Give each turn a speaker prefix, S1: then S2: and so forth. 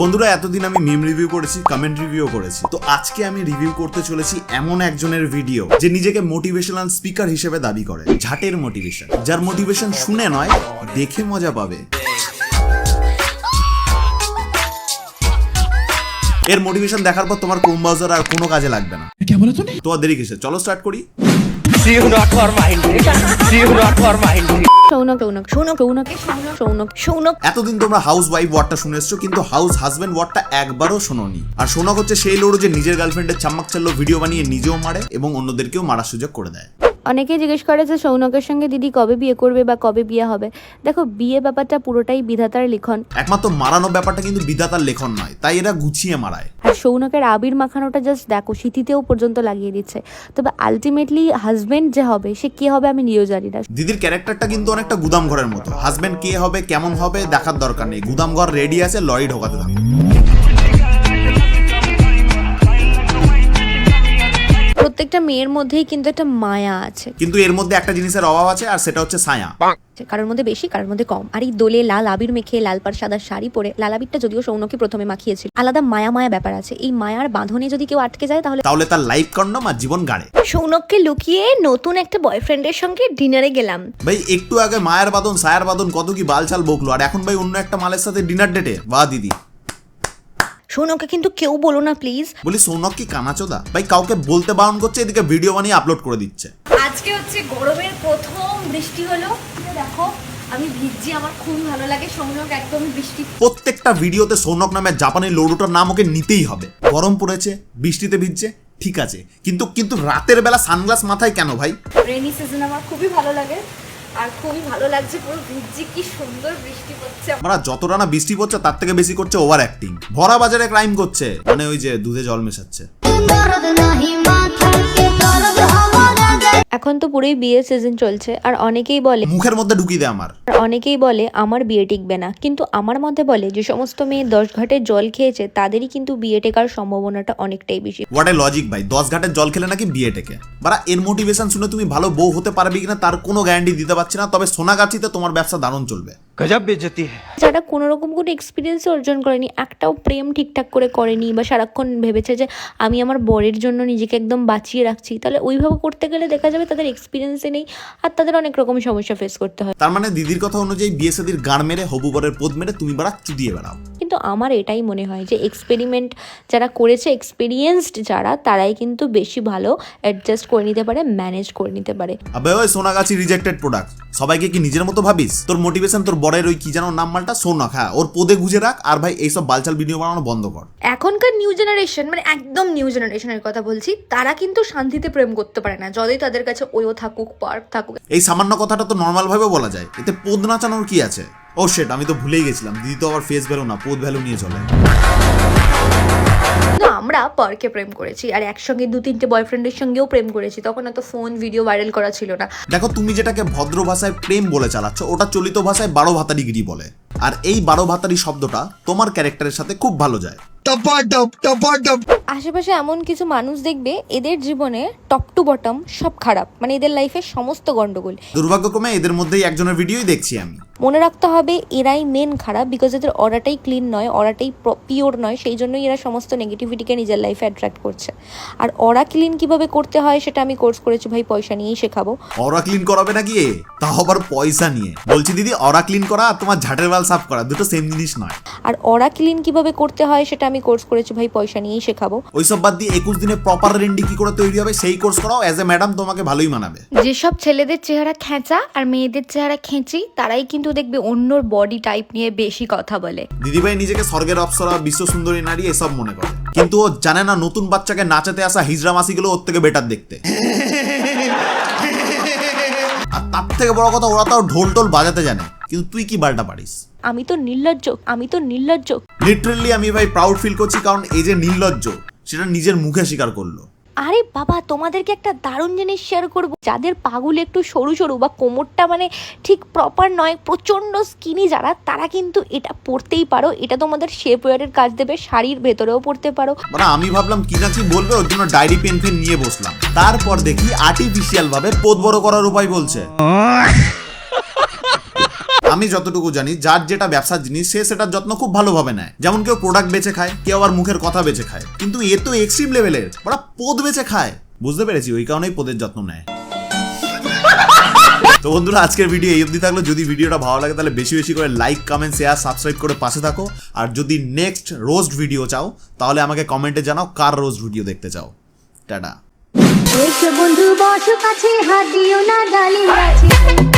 S1: বন্ধুরা, এতদিন আমি মিম রিভিউ করেছি, কমেন্ট রিভিউ করেছি। তো আজকে আমি রিভিউ করতে চলেছি এমন একজনের ভিডিও যে নিজেকে মোটিভেশনাল স্পিকার হিসেবে দাবি করে। ঝাটের মোটিভেশন, যার মোটিভেশন শুনে নয় দেখে মজা পাবে। এর মোটিভেশন দেখার পর তোমার ক্রোম ব্রাউজার আর কোনো কাজে লাগবে না।
S2: क्या बोला तूने?
S1: তো আর দেরি কিসের, চলো স্টার্ট করি। এতদিন তোমরা হাউস ওয়াইফ ওয়ার্ডটা শুনে এসছো, কিন্তু হাউস হাজবেন্ড ওয়ার্ডটা একবারও শোনোনি। আর শোনা হচ্ছে সেই লোড়ো যে নিজের গার্লফ্রেন্ডের চাম্মাক চাল্লো ভিডিও বানিয়ে নিজেও মারে এবং অন্যদেরকেও মারার সুযোগ করে দেয়।
S3: অনেকেই জিজ্ঞেস করে যে সৌনকের সঙ্গে দিদি কবে বিয়ে করবে বা কবে বিয়ে হবে। দেখো, বিয়ে ব্যাপারটা পুরোটাই বিধাতার লিখন।
S1: একমাত্র মারানো ব্যাপারটা কিন্তু বিধাতার লেখন নয়, তাই এরা গুছিয়ে মারায়।
S3: আর সৌনকের আবির মাখানোটা জাস্ট দেখো, সিথিতেও পর্যন্ত লাগিয়ে দিচ্ছে। তবে আলটিমেটলি হাজবেন্ড যে হবে সে কে হবে আমি নিজেও জানি না।
S1: দিদির ক্যারেক্টারটা কিন্তু অনেকটা গুদাম ঘরের মতো। হাজবেন্ড কে হবে কেমন হবে দেখার দরকার নেই, গুদাম ঘর রেডি আছে, লরি ঢোকাতে থাকো।
S3: প্রত্যেকটা মেয়ের মধ্যেই কিন্তু একটা মায়া আছে,
S1: কিন্তু এর মধ্যে একটা জিনিসের অভাব আছে, আর সেটা হচ্ছে ছায়া।
S3: কারোর মধ্যে বেশি, কারোর মধ্যে কম। আর এই দোলে লাল আবির মেখে লাল পাড় সাদা শাড়ি পরে, লাল আবিরটা যদিও সৌনকে প্রথমে মাখিয়েছিল, আলাদা মায়া মায়া ব্যাপার আছে। এই মায়ার বাঁধনে যদি কেউ আটকে যায় তাহলে
S1: তার লাইফ কন্ডম আর জীবন গাড়ে।
S4: সৌনককে লুকিয়ে নতুন একটা বয়ফ্রেন্ডের সঙ্গে ডিনারে গেলাম।
S1: ভাই একটু আগে মায়ের বাদন সায়ার বাদন কত কি বালচাল বকলো, আর এখন ভাই অন্য একটা মালের সাথে ডিনার ডেটে। বাহ দিদি।
S4: সৌনককে কিন্তু কেউ বলো না প্লিজ।
S1: বলি সৌনক কি কানাচোদা? ভাই কাউকে বলতে বারণ করছে, এদিকে ভিডিও বানিয়ে আপলোড করে দিচ্ছে।
S4: আজকে হচ্ছে গরমের প্রথম বৃষ্টি হলো, দেখো আমি ভিজছি, আমার খুব ভালো লাগে। সৌনক একদম বৃষ্টি,
S1: প্রত্যেকটা ভিডিওতে সৌনক নামে জাপানি লোডোটার নাম ওকে নিতেই হবে। গরম পড়েছে, বৃষ্টিতে ভিজছে, ঠিক আছে, কিন্তু রাতের বেলা সানগ্লাস মাথায় কেন ভাই?
S4: রেনি সিজন আমার খুবই ভালো লাগে আর খুবই ভালো লাগছে, পুরো ভিজছি, কি সুন্দর বৃষ্টি পড়ছে।
S1: আমরা যতটা না বৃষ্টি পড়ছে তার থেকে বেশি করছে ওভার অ্যাক্টিং। ভরা বাজারে ক্রাইম করছে, মানে ওই যে দুধে জল মেশাচ্ছে।
S3: এখন তো পুরোই বিয়ের সিজন চলছে, আর অনেকেই
S1: মুখের মধ্যে ঢুকিয়ে দেয়
S3: বলে আমার বিয়ে টিকবে না। কিন্তু আমার মতে বলে যে সমস্ত মেয়ে 10 ঘাটের জল খেয়েছে তাদেরই কিন্তু বিয়ে টেকার সম্ভাবনাটা অনেকটাই বেশি।
S1: হোয়াট এ লজিক ভাই, 10 ঘাটের জল খেলে নাকি বিয়ে টেকে? বারা এর মোটিভেশন শুনে তুমি ভালো বউ হতে পারবে কিনা তার কোনো গ্যারান্টি দিতে পারছি না, তবে সোনাগাছিতে তোমার ব্যবসা দারুণ চলবে।
S2: गजब बेइज्जती है।
S3: যারা কোনো রকম কোনো এক্সপিরিয়েন্স অর্জন করেনি, একটাও প্রেম ঠিকঠাক করে করেনি, বা সারাক্ষণ ভেবেছে যে আমি আমার বরের জন্য নিজেকে একদম বাঁচিয়ে রাখছি, তাহলে ওইভাবে করতে গেলে দেখা যাবে তাদের এক্সপিরিয়েন্সে নেই আর তাদের অনেক রকম সমস্যা ফেস করতে হয়।
S1: তার মানে দিদির কথা অনুযায়ী বিয়ে শাদীর গাড় মেরে হবু বরের পদ মেরে তুমি বারা চুদিয়ে বেড়াও।
S3: কিন্তু আমার এটাই মনে হয় যে এক্সপেরিমেন্ট যারা করেছে, এক্সপিরিয়েন্সড যারা, তারাই কিন্তু বেশি ভালো অ্যাডজাস্ট করে নিতে পারে, ম্যানেজ করে নিতে পারে।
S1: আবে ওই সোনাগাছি রিজেক্টেড প্রোডাক্ট, সবাইকে কি নিজের মতো ভাবিস? তোর মোটিভেশন তোর বরের ওই কি জানো নাম মালটা সোনাক, হ্যাঁ ওর পদে গুজে রাখ। আর ভাই এইসব বালচাল ভিডিও বানানো বন্ধ কর।
S4: এখনকার নিউ জেনারেশন, মানে একদম নিউ জেনারেশনের কথা বলছি, তারা কিন্তু শান্তিতে প্রেম করতে পারে না, যতই তাদের কাছে ওয়ো থাকুক, পার্ক থাকুক।
S1: এই সামান্য কথাটা তো নর্মাল ভাবে বলা যায়, এতে পদ নাচানোর কি আছে? ও শিট, আমি তো ভুলেই গেছিলাম, দিদি তো আবার ফেস ভ্যালু না পদ ভ্যালু নিয়ে চলে।
S4: আমরা পার্কে প্রেম করেছি আর একসঙ্গে 2-3টে বয়ফ্রেন্ডের সঙ্গেও প্রেম করেছি, তখন এত ফোন ভিডিও ভাইরাল করা ছিল না।
S1: দেখো তুমি যেটাকে ভদ্র ভাষায় প্রেম বলে চালাচ্ছ, ওটা চলিত ভাষায় 12 ভাতারিগিরি বলে। আর এই 12 ভাতারি শব্দটা তোমার ক্যারেক্টারের সাথে খুব ভালো যায়।
S3: আশেপাশে এমন কিছু মানুষ দেখবে এদের জীবনে টপ টু বটম সব খারাপ, মানে এদের লাইফে সমস্ত গন্ডগোল।
S1: দুর্ভাগ্যক্রমে এদের মধ্যেই একজনের ভিডিওই দেখছি আমি।
S3: মনে রাখতে হবে এরাই মেন খারাপ, বিকজ এদের অরাটাই ক্লিন নয়, অরাটাই পিওর নয়, সেই জন্যই এরা সমস্ত নেগেটিভিটিকে নিজের লাইফে অ্যাট্রাক্ট করছে। আর অরা ক্লিন কিভাবে করতে হয় সেটা আমি কোর্স করেছি ভাই, পয়সা নিয়েই শেখাবো।
S1: অরা ক্লিন করাবে নাকি? তাও আবার পয়সা নিয়ে? বলছি দিদি, অরা ক্লিন করা আর তোমার ঝাটের বাল সাফ করা দুটো সেম জিনিস নয়।
S3: আর অরা ক্লিন কিভাবে করতে হয় সেটা আমি কোর্স করেছি ভাই, পয়সা নিয়েই শেখাবো।
S1: ওইসব বাদ দিয়ে 21 দিনে প্রপার রেন্ডি কি করে তৈরি হবে সেই কোর্স করাও। অ্যাজ এ ম্যাডাম তোমাকে ভালোই মানাবে।
S4: যেসব ছেলেদের চেহারা খেঁচা আর মেয়েদের চেহারা খেঁচি, তারাই কিন্তু দেখবে অন্যর বডি টাইপ নিয়ে বেশি কথা বলে।
S1: দিদিভাই নিজেকে স্বর্গের অপ্সরা, বিশ্ব সুন্দরী নারী এসব মনে করে, কিন্তু ও জানে না নতুন বাচ্চাকে নাচাতে আসা হিজড়া মাসিগুলো ওর থেকে বেটার দেখতে। আর তার থেকে বড় কথা, ওরা তো ঢোল টোল বাজাতে জানে, কিন্তু তুই কি বালটা পারিস?
S3: আমি তো নির্লজ্জ।
S1: লিটারেলি আমি ভাই প্রাউড ফিল করছি, কারণ এই যে নির্লজ্জ সেটা নিজের মুখে স্বীকার করলো।
S3: আরে বাবা, তোমাদেরকে একটা দারুণ জিনিস শেয়ার করবো। যাদের পাগুল একটু সরু সরু বা কোমরটা মানে ঠিক প্রপার নয়, প্রচন্ড স্কিনি যারা, তারা কিন্তু এটা পরতেই পারো। এটা তোমাদের শেপ ওয়্যারের কাজ দেবে, শাড়ির ভেতরেও পরতে পারো।
S1: মানে আমি ভাবলাম কি না কি বলবে, ওর জন্য ডায়েরি পেন ফেন নিয়ে বসলাম। তারপর দেখি আর্টিফিশিয়াল ভাবে পদ বড় করার উপায় বলছে। আমি যতটুকু জানি যার যেটা ব্যবসার জিনিস সে সেটার যত্ন খুব ভালোভাবে নেয়। যেমন কেউ প্রোডাক্ট বেচে খায়, কেউ আবার মুখের কথা বেচে খায়, কিন্তু এ তো এক্সট্রিম লেভেলের, ওরা পদ বেচে খায়। বুঝতে পেরেছি, ওই কারণেই পদের যত্ন নেয়। তো বন্ধুরা, আজকের ভিডিও এই অবধি থাকলো। যদি ভিডিওটা ভালো লাগে তাহলে বেশি বেশি করে লাইক, কমেন্ট, শেয়ার, সাবস্ক্রাইব করে পাশে থাকো। আর যদি নেক্সট রোস্ট ভিডিও চাও তাহলে আমাকে কমেন্টে জানাও কার রোস্ট ভিডিও দেখতে চাও। টাটা।
S2: বন্ধু বসো কাছে, হাত দিও না গালি আছে।